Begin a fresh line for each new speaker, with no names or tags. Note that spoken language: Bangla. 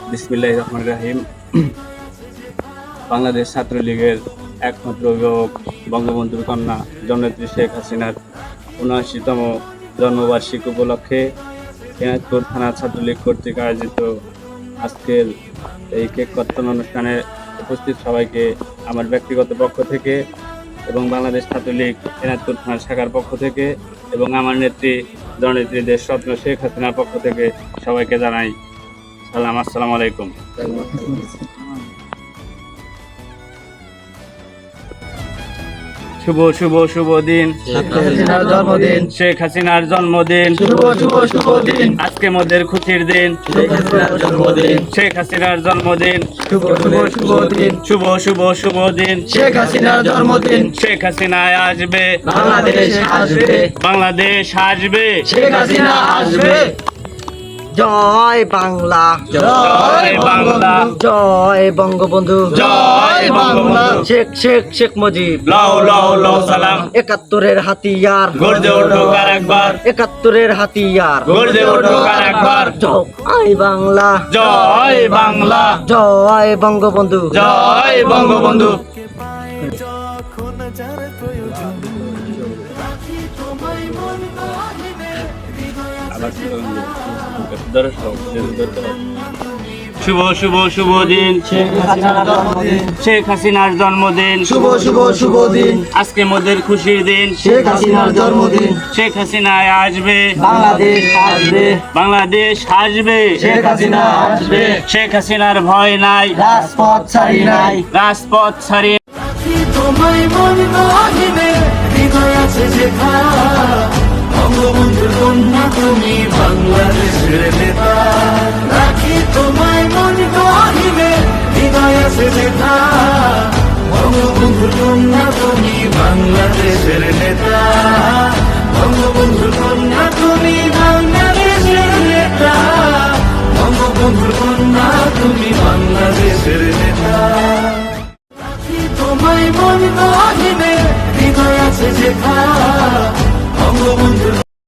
বিসমিল্লাহির রহমানির রহিম। বাংলাদেশ ছাত্রলীগের একমাত্র অভিভাবক বঙ্গবন্ধুর কন্যা জননেত্রী শেখ হাসিনার ৭৯তম জন্মবার্ষিকী উপলক্ষে এনায়তপুর থানা ছাত্রলীগ কর্তৃক আয়োজিত আজকের এই কেক কর্তন অনুষ্ঠানে উপস্থিত সবাইকে আমার ব্যক্তিগত পক্ষ থেকে এবং বাংলাদেশ ছাত্রলীগ এনায়তপুর থানার শাখার পক্ষ থেকে এবং আমার নেত্রী জননেত্রী দেশরত্ন শেখ হাসিনার পক্ষ থেকে সবাইকে জানাই সালাম, আসসালামু আলাইকুম। শুভ শুভ শুভ দিন,
জন্মদিন,
শেখ হাসিনার জন্মদিন।
শুভ শুভ শুভ দিন,
আজকে মোদের খুশির দিন,
শেখ হাসিনার জন্মদিন,
শেখ হাসিনার জন্মদিন।
শুভ শুভ শুভ দিন,
শুভ শুভ শুভ দিন,
শেখ হাসিনার জন্মদিন।
শেখ হাসিনায় আসবে,
বাংলাদেশ আসবে,
বাংলাদেশ আসবে,
শেখ হাসিনা আসবে। জয় বাংলা,
জয় বাংলা,
জয় বঙ্গবন্ধু,
জয় বঙ্গবন্ধু।
শেখ শেখ শেখ মুজিব,
লাও লাও লাও সালাম,
৭১-এর হাতিয়ার,
গর্জে ওঠো কার একবার,
৭১-এর হাতিয়ার,
গর্জে ওঠো কার একবার।
জয় বাংলা,
জয় বাংলা,
জয় বঙ্গবন্ধু,
জয় বঙ্গবন্ধু। শুভ শুভ শুভ দিন,
শেখ হাসিনার জন্মদিন,
শেখ হাসিনার জন্মদিন।
শুভ শুভ শুভ দিন,
আজকে মোদের খুশির দিন,
শেখ হাসিনার জন্মদিন।
শেখ হাসিনায় আসবে,
বাংলাদেশ আসবে,
বাংলাদেশ আসবে,
শেখ হাসিনা আসবে।
শেখ হাসিনার ভয় নাই,
রাজপথ ছাড়ি নাই,
রাজপথ ছাড়িয়ে
তোমায় মন গহিনে হৃদয় আছে যেথা বঙ্গবন্ধুর কন্যা তুমি বাংলাদেশের নেতা। রাখি তোমায় মন গহিনে হৃদয় আছে যেথা বঙ্গবন্ধুর কন্যা তুমি বাংলাদেশের নেতা। বঙ্গবন্ধুর কন্যা তুমি বাংলাদেশের নেতা। বঙ্গবন্ধুর কন্যা তুমি বাংলাদেশের নেতা। তোমায় মন গহিনে হৃদয় আছে যেথা বঙ্গবন্ধু